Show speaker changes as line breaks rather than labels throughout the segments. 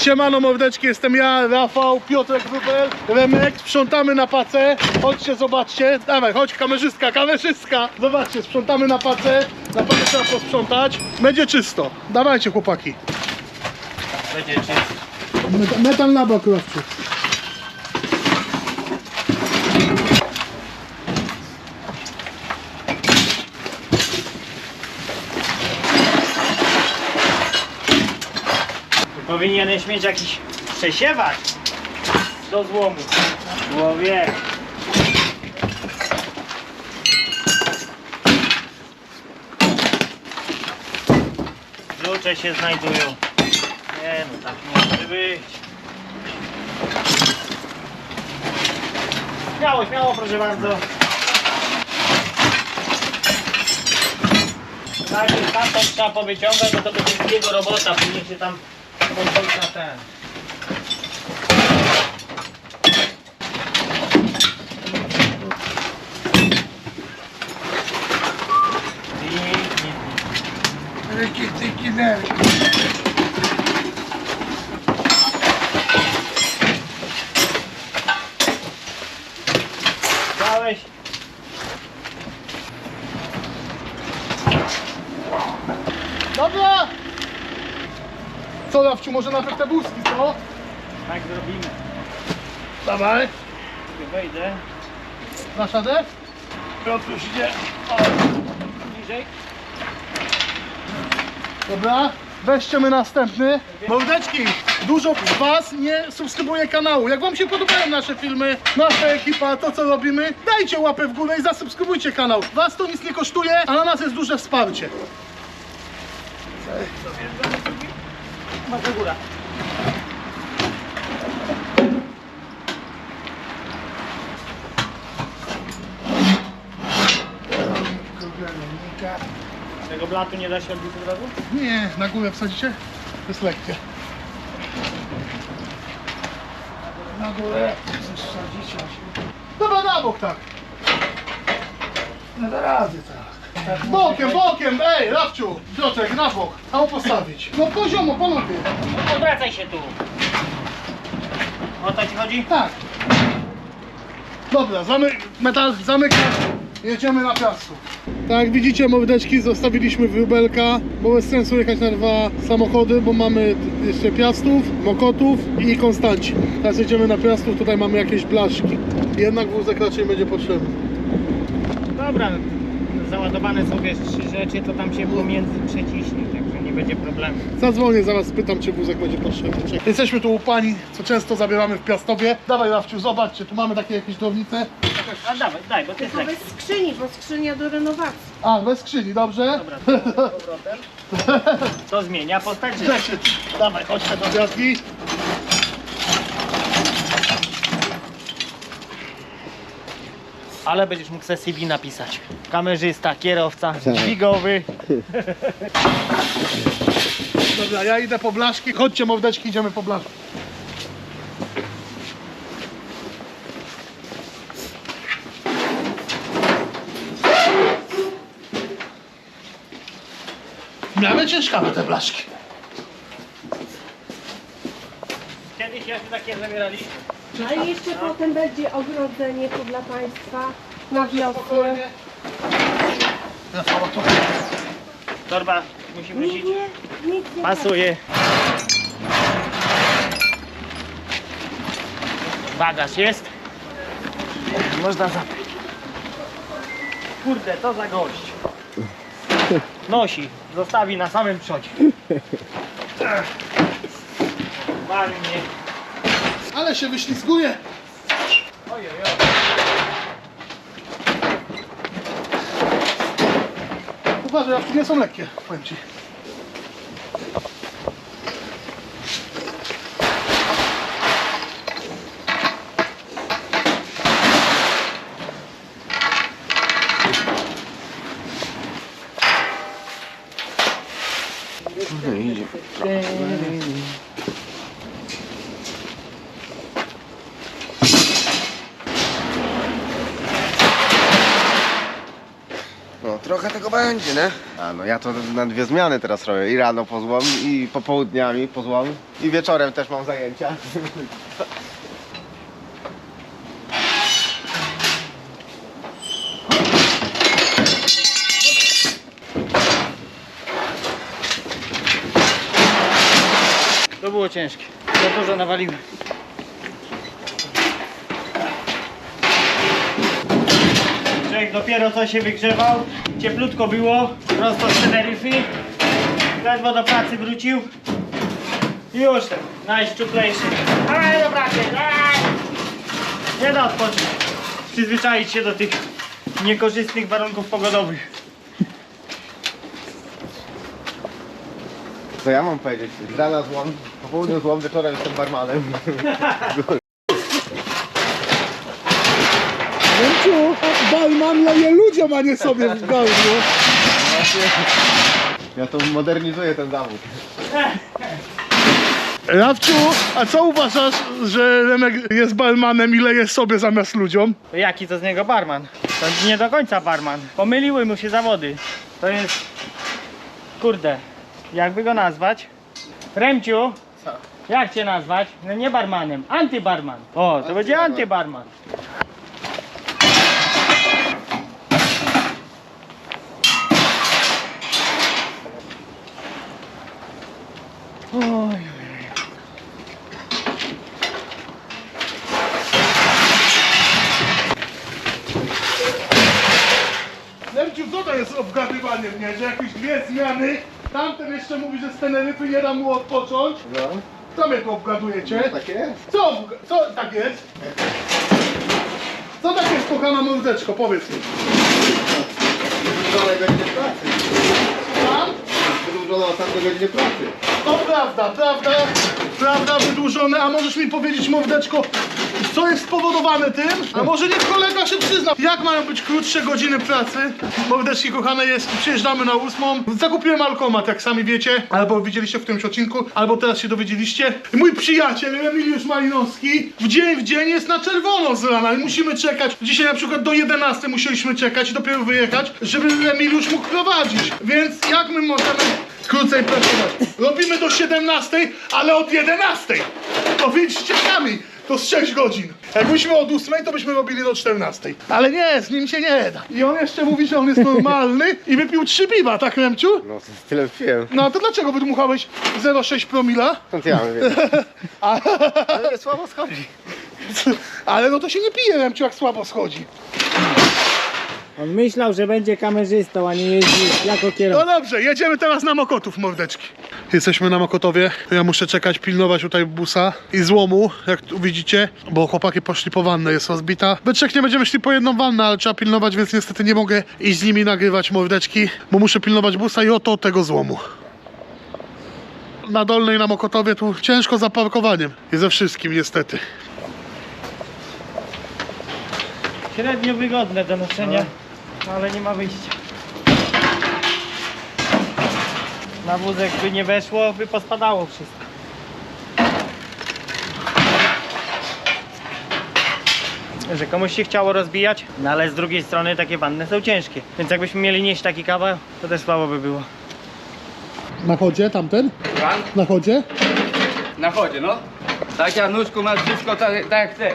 Siemano mordeczki, jestem ja, Rafał, Piotrek Wróbel, Remek. Sprzątamy na pacę. Chodźcie, zobaczcie. Dawaj, chodź kamerzystka, kamerzystka. Zobaczcie, sprzątamy na pacę. Na pacę trzeba posprzątać. Będzie czysto. Dawajcie chłopaki.
Będzie czysto.
Metal na bok, Rafciu.
Powinieneś mieć jakiś przesiewacz do złomu. Człowiek. Klucze się znajdują. Nie no, tak nie może być. Śmiało, śmiało, proszę bardzo. Tak, tam to trzeba powyciągać, bo to będzie jego robota, później się tam podchodzi na ten. Dałeś?
Dobra! Co, Rafciu, może nawet te buzki, co?
Tak zrobimy.
Dawaj.
Sobie wejdę.
Dasz radę?
Piotruś idzie. O, niżej.
Dobra. Weźcie my następny. Mordeczki, dużo z was nie subskrybuje kanału. Jak wam się podobają nasze filmy, nasza ekipa, to co robimy, dajcie łapę w górę i zasubskrybujcie kanał. Was to nic nie kosztuje, a na nas jest duże wsparcie.
Masz do góra. Tego blatu nie da się odbić od razu?
Nie, na górę wsadzicie? To jest lekkie. Na górę wsadzicie. Dobra, na bok tak. No da razy tak. Bokiem, bokiem, ej, Rafciu, Piotrek, na bok. Tam postawić. No poziomo, panowie.
Odwracaj się tu. O to ci chodzi?
Tak. Dobra, metal zamykasz. Jedziemy na piasku. Tak jak widzicie, mordeczki, zostawiliśmy wróbelka, bo bez sensu jechać na dwa samochody, bo mamy jeszcze Piastów, Mokotów i Konstanci. Teraz jedziemy na Piastów, tutaj mamy jakieś blaszki. Jednak wózek raczej będzie potrzebny.
Dobra, załadowane są wiesz 3 rzeczy, to tam się pomiędzy przeciśnie, także nie będzie problemu.
Zadzwonię, zaraz spytam, czy wózek będzie potrzebny. Czekaj. Jesteśmy tu u pani, co często zabieramy w Piastowie. Dawaj, Rafciu, zobaczcie, tu mamy takie jakieś drobnice.
A dawaj, daj, bo ty jest
Tylko
lekki.
bez skrzyni, bo skrzynia do renowacji.
A, bez skrzyni, dobrze?
Dobra, to z powrotem. To zmienia postać życia.
Cześć, dawaj, chodźmy do Piastki.
Ale będziesz mógł sobie CV napisać. Kamerzysta, kierowca, dźwigowy.
Dobra, ja idę po blaszki. Chodźcie, mordeczki, idziemy po blaszki. Miałem ciężkawe te blaszki.
Kiedyś jeszcze takie zabieraliśmy.
A jeszcze potem będzie ogrodzenie tu dla Państwa na wiosnę.
Torba musi
Nie,
wrócić.
nie, nic nie.
Pasuje. Bagaż jest. Można zabrać. Kurde, to za gość. Nosi, zostawi na samym przodzie. Ładnie.
Ale się wyślizguje.
Ojej,
Uważaj, jawki nie są lekkie, powiem ci.
No idzie. trochę tego będzie, nie? A no ja to na 2 zmiany teraz robię. I rano pozłom, i popołudniami pozłom, i wieczorem też mam zajęcia.
To było ciężkie. Za dużo nawaliłem. Człowiek dopiero co się wygrzewał. Cieplutko było. Prosto z Teneryfy. Ledwo do pracy wrócił. I już ten najszczuplejszy. Ale do pracy! Nie da odpocząć. Przyzwyczaić się do tych niekorzystnych warunków pogodowych.
Co ja mam powiedzieć? Z rana złom, po południu złom, wieczorem jestem barmanem.
Remciu, barman leje ludziom, a nie sobie w gardło.
Ja to modernizuję ten zawód.
Rafciu, a co uważasz, że Remek jest barmanem i leje sobie zamiast ludziom?
To jaki to z niego barman? To nie do końca barman. Pomyliły mu się zawody. To jest... Kurde. Jakby go nazwać? Remciu? Jak cię nazwać? No nie barmanem, antybarman. O, to będzie antybarman. Oj.
Remciu, co to jest obgadywanie mnie, że jakieś 2 zmiany, tamten jeszcze mówi, że z Teneryfy nie da mu odpocząć.
No,
Co mnie tu obgadujecie?
tak jest.
Co tak jest? Co tak jest, kochana mordeczko, powiedz mi.
Wydłużonej godziny pracy.
Tam?
Wydłużona ostatnia godziny pracy.
To prawda, wydłużone, a możesz mi powiedzieć, mordeczko, co jest spowodowane tym? A może niech kolega się przyzna, jak mają być krótsze godziny pracy? Mordeczki kochane, przyjeżdżamy na 8. Zakupiłem alkomat, jak sami wiecie, albo widzieliście w którymś odcinku, albo teraz się dowiedzieliście. Mój przyjaciel Emiliusz Malinowski w dzień jest na czerwono z rana i musimy czekać. Dzisiaj na przykład do 11 musieliśmy czekać i dopiero wyjechać, żeby Emiliusz mógł prowadzić. Więc jak my możemy krócej pracować? Robimy do 17, ale od 11. Powiedzcie sami, to z 6 godzin. Jakbyśmy od 8, to byśmy robili do 14. Ale nie, z nim się nie da. I on jeszcze mówi, że on jest normalny i wypił 3 piwa, tak Remciu?
No, tyle piłem.
No to dlaczego wydmuchałeś 0,6 promila?
Skąd ja mam wiedzieć?
A,
Ale słabo schodzi.
ale no to się nie pije, Remciu, jak słabo schodzi.
On myślał, że będzie kamerzystą, a nie jeździ jako
No
kierowca.
dobrze, jedziemy teraz na Mokotów, mordeczki. Jesteśmy na Mokotowie. Ja muszę czekać, pilnować tutaj busa i złomu, jak tu widzicie, bo chłopaki poszli po wannę, jest rozbita. We trzech nie będziemy szli po jedną wannę, ale trzeba pilnować, więc niestety nie mogę iść z nimi nagrywać, mordeczki, bo muszę pilnować busa i oto tego złomu. Na Dolnej, na Mokotowie tu ciężko za parkowaniem i ze wszystkim niestety.
Średnio wygodne do noszenia, ale nie ma wyjścia. Na wózek by nie weszło, by pospadało wszystko. Że komuś się chciało rozbijać, no ale z drugiej strony takie wanny są ciężkie. Więc jakbyśmy mieli nieść taki kawał, to też słabo by było.
Na chodzie tamten?
Pan?
Na chodzie?
Na chodzie, no. Tak, Januszku, masz wszystko tak jak chcesz.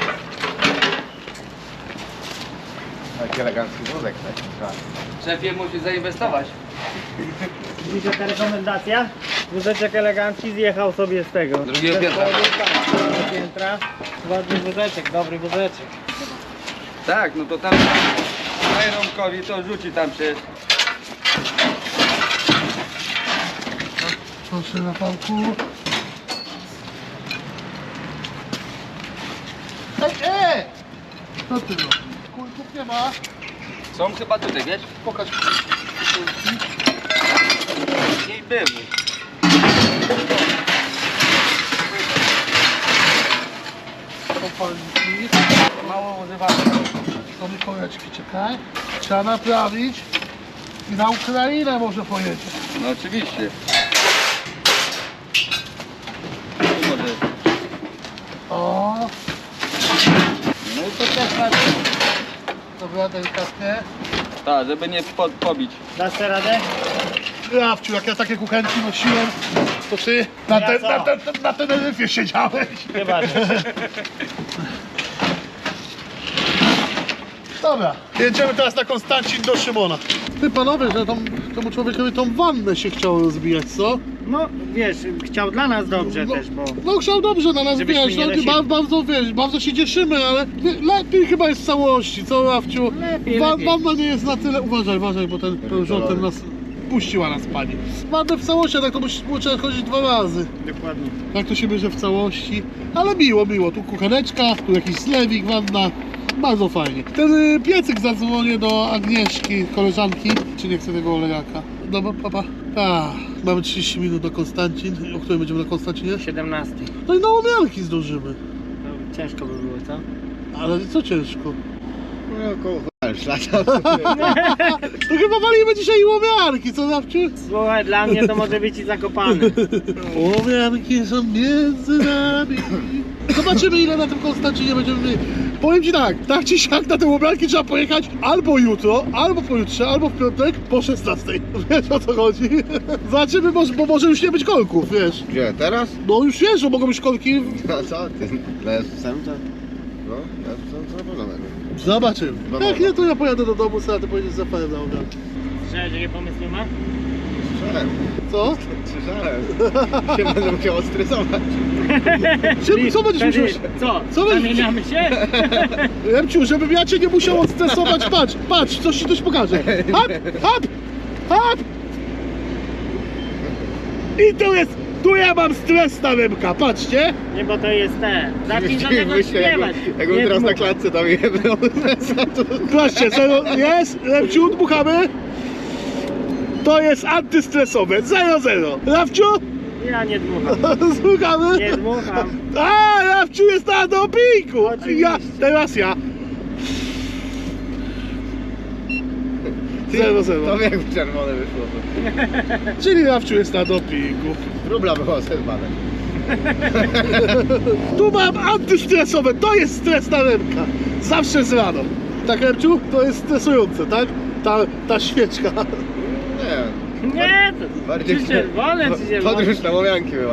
Taki elegancki wózek, tak?
Szefie musi zainwestować.
Widzicie ta rekomendacja? Wózeczek elegancki zjechał sobie z tego.
Drugiego piętra.
Drugiego piętra. Ładny wózeczek, dobry wózeczek.
Tak, no to tam daj Romkowi, to rzuci tam się.
Proszę na pałku. Ej! Co ty no? Kulków nie ma.
Są chyba tutaj, wiesz?
Pokaż.
Nie były.
Opalniki.
Mało używane.
To mi koreczki, czekaj. Trzeba naprawić. I na Ukrainę może pojedzie.
No oczywiście. Może.
O,
No i to też na...
dobra, delikatnie.
Tak, żeby nie pobić.
Dasz sobie radę?
Rafciu, jak ja takie kuchenki nosiłem, to ty na Teneryfie siedziałeś.
Chyba, że.
Dobra, jedziemy teraz na Konstancin do Szymona. Ty panowie, że temu człowiekowi tą wannę się chciało rozbijać, co?
No, wiesz, chciał dla nas dobrze też, bo...
No chciał dobrze na nas,
Żebyśmy
wiesz,
nie
no,
nosili.
bardzo, wiesz, bardzo się cieszymy, ale lepiej chyba jest w całości, co Rafciu?
Lepiej.
Wanna nie jest na tyle, uważaj, bo ten rząd nas puściła nas pani. Wannę w całości, a tak to trzeba chodzić 2 razy.
Dokładnie.
Tak to się bierze w całości, ale miło, tu kucheneczka, tu jakiś zlewik, wanna. Bardzo fajnie. Ten piecyk zadzwonię do Agnieszki, koleżanki, czy nie chce tego olejaka. Dobra, papa? Tak, mamy 30 minut do Konstancin. O której będziemy na Konstancinie?
17.
No i na łomianki zdążymy.
To ciężko by było, co?
Ale co ciężko?
No około lata.
To chyba walimy dzisiaj łomianki, co Rafciu?
Słuchaj, dla mnie to może być i zakopany.
Łomianki są między nami. Zobaczymy, ile na tym Konstancinie będziemy mieli. Powiem ci tak czy siak na te łomianki trzeba pojechać albo jutro, albo pojutrze, albo w piątek po 16. Wiesz o co chodzi? Zobaczymy, bo może już nie być kolków, wiesz.
Gdzie, teraz?
No już wiesz, że mogą być kolki.
No co ty? No jest to? No, jest to na pewno będę.
Zobaczymy.
Dobra.
Jak nie, to ja pojadę do domu, a ty pojedziesz za panem na łomianki.
Słyszałeś, jakie pomysł nie ma?
Słyszałem,
Co?
słyszałem. Się będę musiał stresować.
Co będziesz musiał...
Co? Zamieniamy się?
Remciu, żebym ja cię nie musiał odstresować, patrz, coś ci pokażę. Hop! I tu ja mam stres na ręka, patrzcie.
Nie, bo to jest te. Zacznij do tego śpiewać.
Jakbym teraz na klatce tam jebnął.
Patrzcie, zero jest, Remciu, dmuchamy. To jest antystresowe, 0-0. Rafciu?
Ja nie dmucham.
Słuchamy?
Nie dmucham.
A, Rafciu jest na dopingu.
Oczywiście.
Teraz ja. 0-0.
To jak czerwone wyszło.
Czyli Rafciu jest na dopingu.
Rubla była zerwana.
Tu mam antystresowe, to jest stres na ręka. Zawsze z rano. Tak, Remciu? To jest stresujące, tak? Ta świeczka.
Nie.
Nie, to czy czerwone, czy zielone.
Podróż na łomianki była.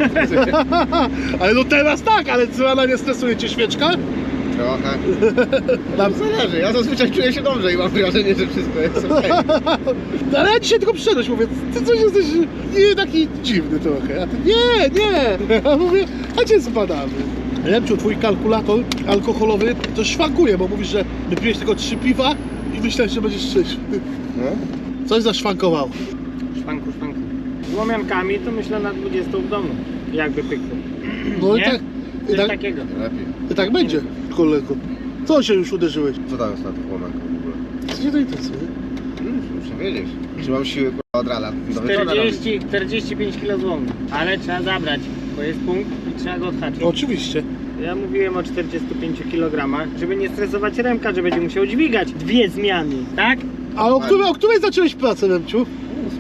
Ale no teraz tak, ale z rana nie stresuje cię świeczka?
Trochę. Tam zależy. Ja zazwyczaj czuję się dobrze i mam wrażenie, że wszystko jest okej.
Ale ja dzisiaj tylko przyszedłeś, mówię, ty coś jesteś nie taki dziwny trochę. A ty nie. Ja mówię, a cię zbadamy. Remciu, twój kalkulator alkoholowy to szwankuje, bo mówisz, że wypiłeś tylko 3 piwa i myślałeś, że będziesz szczęśliwy.
No?
Coś zaszwankowało.
Szwanku. Z łomiankami to myślę na 20 w domu. Jakby pykło.
No
Nie? Coś
i tak,
takiego.
Lepiej.
i tak będzie, kolego. Co się już uderzyłeś?
Co tam jest na tych łomiankach w ogóle?
Co cię to interesuje?
Muszę wiedzieć. Czy mam siły kurwa, od rana? Do wieczora robić.
45 kg złomu. Ale trzeba zabrać, bo jest punkt i trzeba go odhaczyć.
Oczywiście.
Ja mówiłem o 45 kg, żeby nie stresować Remka, że będzie musiał dźwigać 2 zmiany, tak?
A o której zacząłeś pracę, Remciu?
8.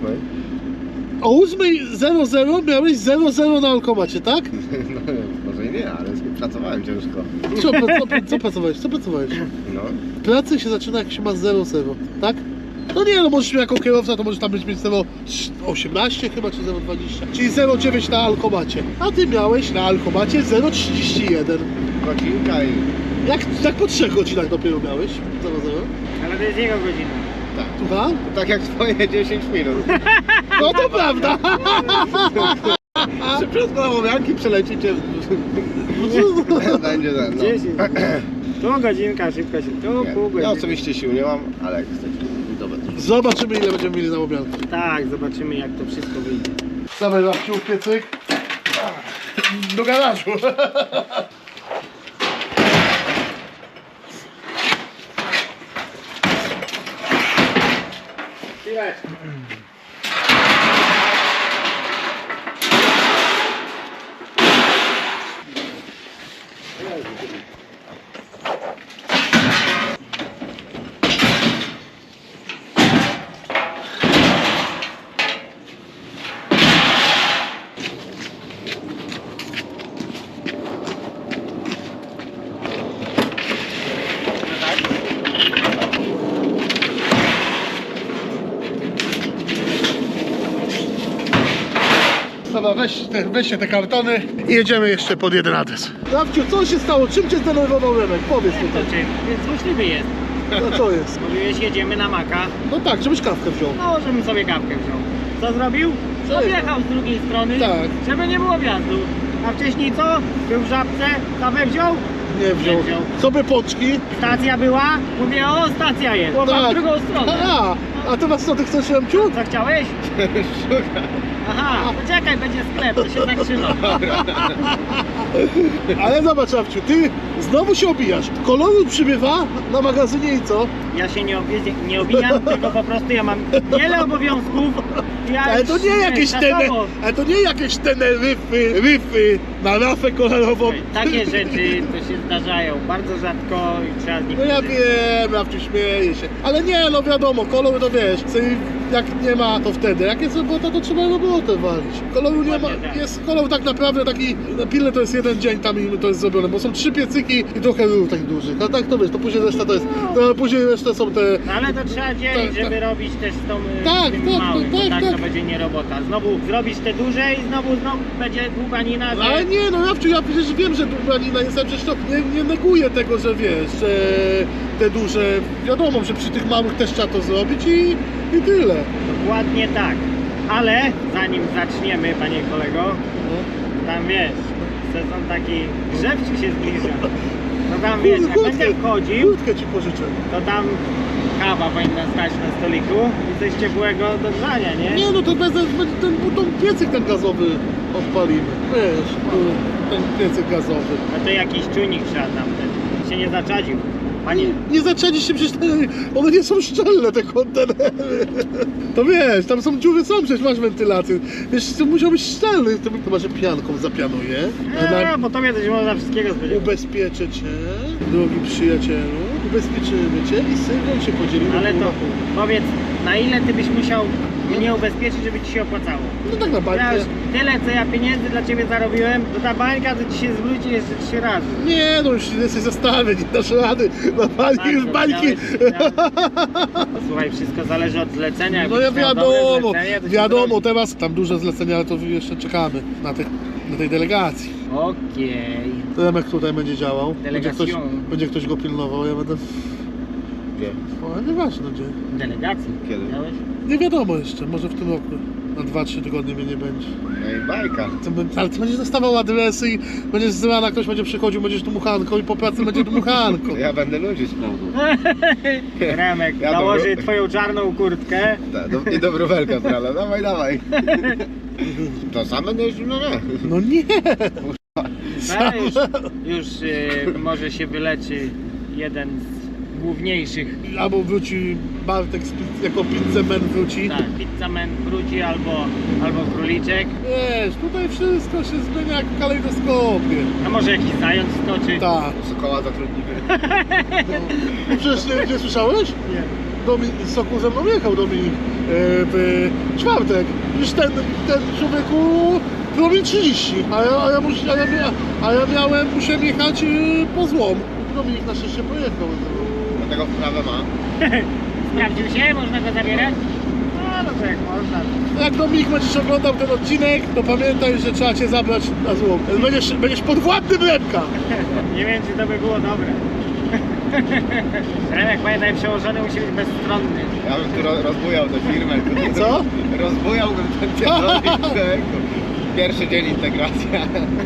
O 8:00 miałeś 0-0 na alkomacie, tak?
No, może i nie, ale pracowałem ciężko.
Co pracowałeś? Co pracowałeś?
No.
Pracy się zaczyna jak się ma 0-0, tak? No nie, no możesz jako kierowca to możesz tam mieć 0,18 chyba, czy 0,20. Czyli 0,9 na alkomacie. A ty miałeś na alkomacie 0,31.
Godzinka i...
Jak tak po 3 godzinach dopiero miałeś 0,0?
Ale to jest jego godzina.
Tak.
Słucham?
Tak jak twoje 10 minut.
No to prawda!
Szybciutko na łomianki przelecicie. Będzie ten, no.
10. Tu godzinka, szybko się, tu pół
Nie, ja
godziny.
osobiście sił nie mam, ale jak chcecie, to będzie.
Zobaczymy, ile będziemy mieli na łomianki.
Tak, zobaczymy jak to wszystko wyjdzie.
Dawaj Rafciu, piecyk. Do garażu. weźcie te kartony i jedziemy jeszcze pod jeden adres. Rafciu, co się stało? Czym cię zdenerwował Remek? Powiedz
To
tutaj.
czym? Więc złośliwy jest.
No co jest?
Mówiłeś, jedziemy na Maka.
No tak, żebyś kawkę wziął.
No, żebym sobie kawkę wziął. Co zrobił? Objechał z drugiej strony,
Tak.
żeby nie było wjazdu. A wcześniej co? Był w Żabce, kawę wziął?
Nie wziął.
Nie wziął.
Co by pączki?
Stacja była? Mówię, o, stacja jest. Była w drugą stronę.
A teraz co ty chcesz, Remciu?
Co chciałeś? Aha, poczekaj, będzie sklep, to się zatrzyma.
Ale zobacz, Rafciu, ty znowu się obijasz. Koloru przybywa na magazynie i co?
Ja się nie obijam, tylko po prostu ja mam wiele obowiązków. Ja
Ale to
już,
nie jakieś
czasowo.
ale to nie jakieś ryfy na rafę kolorową.
Takie rzeczy to się zdarzają bardzo rzadko i trzeba z nich
No ja
korzystać.
wiem, Rafciu, śmieję się. Ale nie, no wiadomo, kolor to wiesz, jak nie ma, to wtedy. Jak jest robota, to trzeba robotę walić. Koloru nie ma,
Dokładnie tak.
jest kolor tak naprawdę taki, na pilne to jest jeden dzień tam i to jest zrobione, bo są 3 piecyki i trochę rur takich dużych. A tak to wiesz, to później reszta to jest, to później reszta są te...
No ale to trzeba dzielić,
Tak,
żeby robić też z tą
Tak,
z tym
tak,
małym,
tak,
bo tak
tak.
to będzie nie robota. Znowu zrobisz te duże i znowu będzie długanina, że...
Ale nie, no Rafciu, ja przecież wiem, że długanina jest, ale przecież to nie neguję tego, że wiesz, że te duże, wiadomo, że przy tych małych też trzeba to zrobić i tyle.
Dokładnie tak. Ale zanim zaczniemy, panie kolego, tam wiesz, sezon taki grzewczy się zbliża. No tam wiesz, jak będę wchodził,
Kurtkę ci pożyczę.
to tam kawa powinna stać na stoliku i coś ciepłego do grzania, nie?
Nie, no to bez ten piecyk ten gazowy odpalimy. Wiesz, ten piecyk gazowy.
No to jakiś czujnik trzeba tam ten, się nie zaczadził. Panie,
Nie zaczęliście się przecież, one nie są szczelne te kontenery. To wiesz, tam są dziury, przecież masz wentylację. Wiesz, to musiał być szczelny, to chyba, że pianką zapianuje.
bo tobie coś można wszystkiego spodziewać.
Ubezpieczę cię, drogi przyjacielu, ubezpieczymy cię i sygnał się podzielimy.
Ale
pół
to
na pół.
powiedz, na ile ty byś musiał mnie ubezpieczyć, żeby ci się opłacało?
No tak na
Ja
bańkę.
już tyle, co ja pieniędzy dla ciebie zarobiłem, to ta bańka to ci się zwróci jeszcze 3 razy.
Nie, no już jesteś zastawy, nie dasz rady. Na bańki już
to
bańki.
Słuchaj, wszystko zależy od zlecenia.
No ja
Jakbyś miał dobre
wiadomo,
zlecenie, to się
wiadomo,
zrobi.
teraz tam duże zlecenia, ale to jeszcze czekamy na tej delegacji.
Okej.
Remek tutaj będzie działał,
Delegacją.
będzie ktoś go pilnował, ja będę...
Gdzie?
O, nieważne gdzie.
Delegacji.
Kiedy?
Miałeś?
Nie wiadomo jeszcze, może w tym roku. Na 2-3 tygodnie mnie nie będzie.
No i bajka.
Ale ty będziesz dostawał adresy i będziesz z rana, ktoś będzie przychodził, będziesz dmuchanką i po pracy będzie dmuchanką.
Ja będę ludzi sprawdzał.
Remek,
Ja
założy
dobro-
twoją czarną kurtkę.
I do wróbelka, prawda? Dawaj, dawaj. To sam będę jeździł? No nie.
No nie!
No, już może się wyleczy jeden z główniejszych.
Albo wróci Bartek jako pizzemen wróci.
Tak, pizzaman wróci albo króliczek.
Wiesz, tutaj wszystko się zmienia jak w kalejdoskopie.
A może jakiś zając skoczy.
Tak.
Sokoła zatrudnimy.
No przecież nie słyszałeś?
Nie.
Z Soku ze mną jechał Dominik w czwartek. Już ten człowieku robi 30, a ja musiałem jechać po złom. Dominik na szczęście pojechał.
Dlatego wprawę ma.
Sprawdził się? Można go zabierać? No to jak można.
Jak Dominik będziesz oglądał ten odcinek, to pamiętaj, że trzeba cię zabrać na złom. Będziesz podwładnym Remka.
Nie wiem, czy to by było dobre. Remek, pamiętaj, przełożony musi być bezstronny.
Ja bym tu rozbujał tę firmę.
Co?
Rozbujałbym ten kierownik. Pierwszy dzień integracja.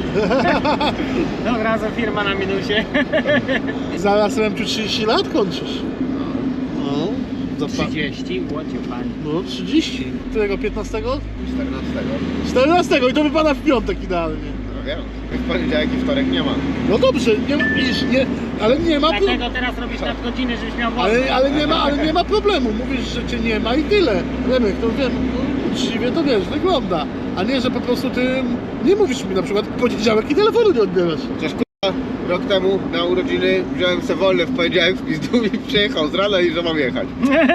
Od razu firma na minusie.
Zaraz Remciu 30 lat kończysz. No.
30, łocie pani.
No 30. Którego 15?
14.
14 i to wypada w piątek idealnie.
No wiem. W poniedziałek i wtorek nie ma.
No dobrze, ale nie ma problemu.
Dlatego teraz robisz nadgodziny, żebyś miał wolne.
Ale nie ma problemu. Mówisz, że cię nie ma i tyle. Remek, to wiem, uczciwie to wiesz, wygląda. A nie, że po prostu ty nie mówisz mi na przykład w poniedziałek i telefonu nie odbierasz.
Chociaż rok temu na urodziny wziąłem se wolne w poniedziałek w pizdu i przyjechał z rana i że mam jechać.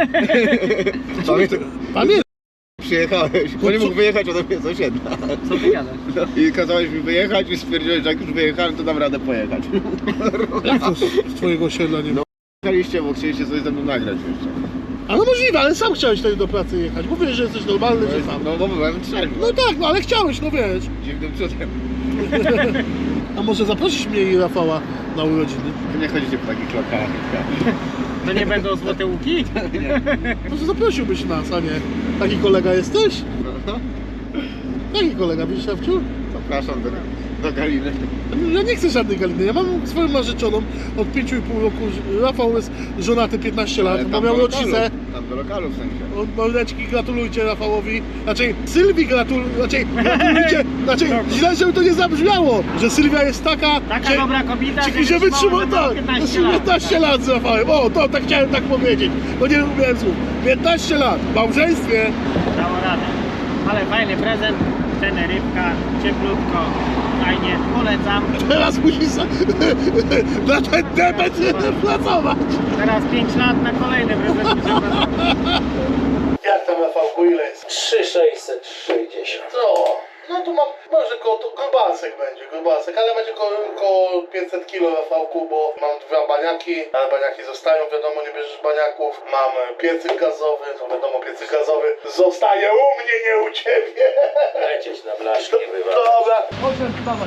Pamiętaj.
Przyjechałeś, bo nie mógł wyjechać ode mnie sąsiedna.
Co ty gadasz?
No, i kazałeś mi wyjechać i stwierdziłeś, że jak już wyjechałem, to dam radę pojechać.
Jak to z twojego osiedla nie ma?
No. Jechaliście, bo chcieliście coś ze mną nagrać jeszcze.
A no możliwe, ale sam chciałeś wtedy do pracy jechać. Mówisz, że jesteś normalny, że sam.
No bo byłem trzeźwy.
No tak, no ale chciałeś, no wiesz.
Dziwnym cudem.
A może zaprosisz mnie i Rafała na urodziny?
Nie chodzicie po takich lokalach.
To nie będą złote łuki?
Może zaprosiłbyś nas, a nie? Taki kolega jesteś?
No,
Taki kolega, widzisz, Szafciu?
zapraszam do Galiny.
Ja nie chcę żadnej Galiny, ja mam swoją narzeczoną od 5,5 roku. Rafał jest żonaty 15 lat, bo miał rodzicę.
Tam do lokalu w sensie.
Mordeczki, gratulujcie Rafałowi. Znaczy, Sylwii gratulujcie. Znaczy, źle, żeby to nie zabrzmiało, że Sylwia jest taka
Dobra kobieta,
że wytrzymała tak, 15 lat z Rafałem. O, to tak chciałem tak powiedzieć, bo nie lubiłem słów. 15 lat, w małżeństwie.
Dało radę. Ale fajny prezent, Teneryfka, cieplutko, fajnie, polecam.
Teraz musisz na ten debet pracować.
Teraz 5 lat na kolejny prezent muszę pracować.
Jak tam Rafałku, ile jest?
3,660.
No tu mam, może grubasek będzie, ale będzie koło 500 kg Rafałku, bo mam 2 baniaki, ale baniaki zostają, wiadomo, nie bierzesz baniaków. Mam piecyk gazowy, to wiadomo, piecyk gazowy zostaje u mnie, nie u ciebie.
Lecieć na blaszki bywa.
Dobra, chodź, dawaj.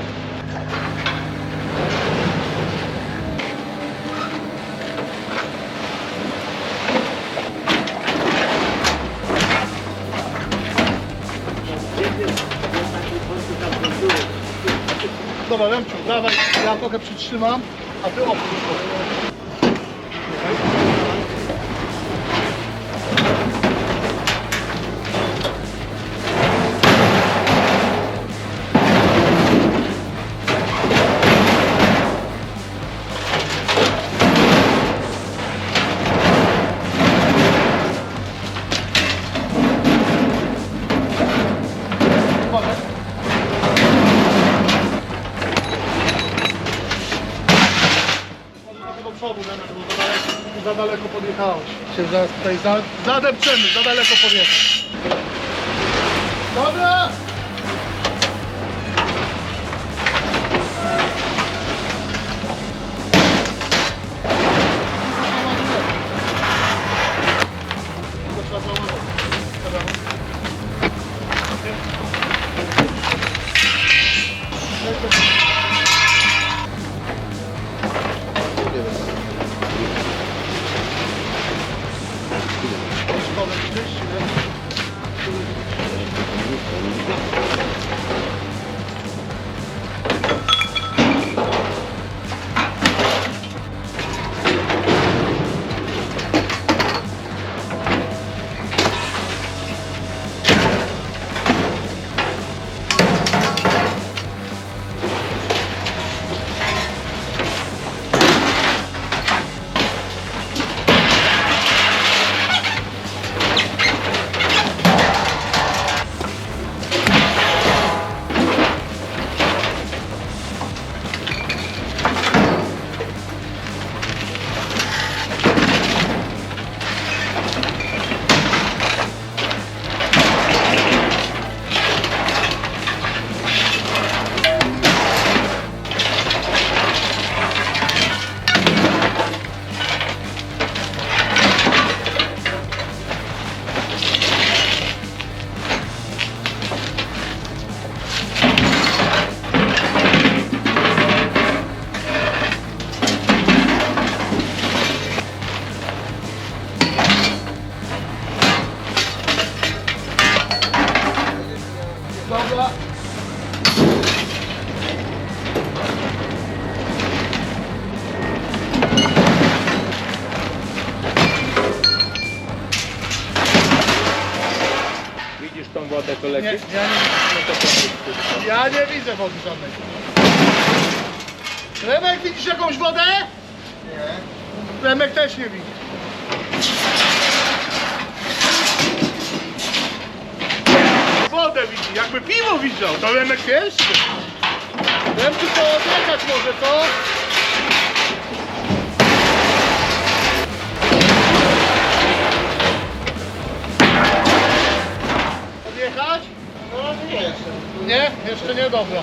Dobra, Remciu, dawaj, ja trochę przytrzymam, a ty opuść. Do przodu, bo za daleko podjechałeś. Się zaraz tutaj zadepczemy, za daleko podjechać. Dobra! Dobra.
Widzisz tą wodę, co leci?
Nie, ja nie widzę wody żadnej. Remek, widzisz jakąś wodę? Nie. Remek też nie widzi. Wodę widzi, jakby piwo widział, to Remek jeszcze. Remciu, to odjechać może, co? Odjechać? No nie jeszcze. Nie? Jeszcze nie, dobra.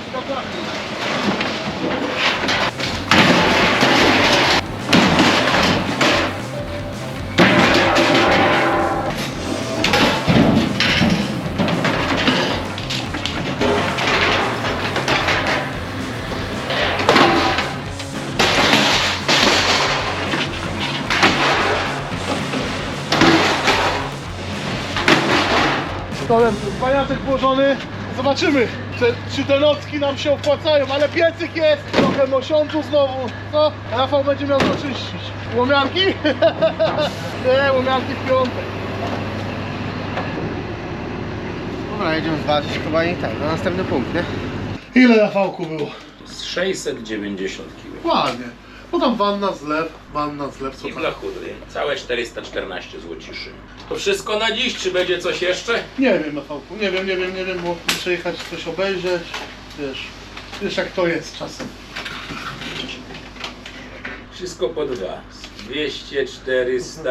Stołem paniaczek włożony. Zobaczymy, czy te nocki nam się opłacają, ale piecyk jest, trochę mosiądzu znowu. No, Rafał będzie miał to czyścić. Łomianki? Nie, łomianki w piątek.
Dobra, jedziemy zobaczyć chyba i tak, na następny punkt, nie?
Ile Rafałku było?
Z 690 kg.
Ładnie. Bo tam wanna, zlew, co
I
tam?
blachury. Całe 414 złociszy. To wszystko na dziś, czy będzie coś jeszcze?
Nie wiem, Rafałku, nie wiem, bo muszę jechać coś obejrzeć. Wiesz jak to jest czasem.
Wszystko po dwa. 200, 400,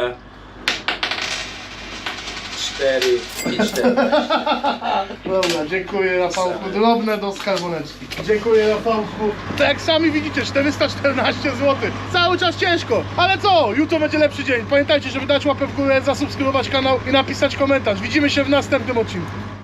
4 i 4.
Dobra, dziękuję Rafałku, drobne do skarboneczki. Dziękuję Rafałku. To jak sami widzicie, 414 zł. Cały czas ciężko, ale co? Jutro będzie lepszy dzień. Pamiętajcie, żeby dać łapę w górę, zasubskrybować kanał i napisać komentarz. Widzimy się w następnym odcinku.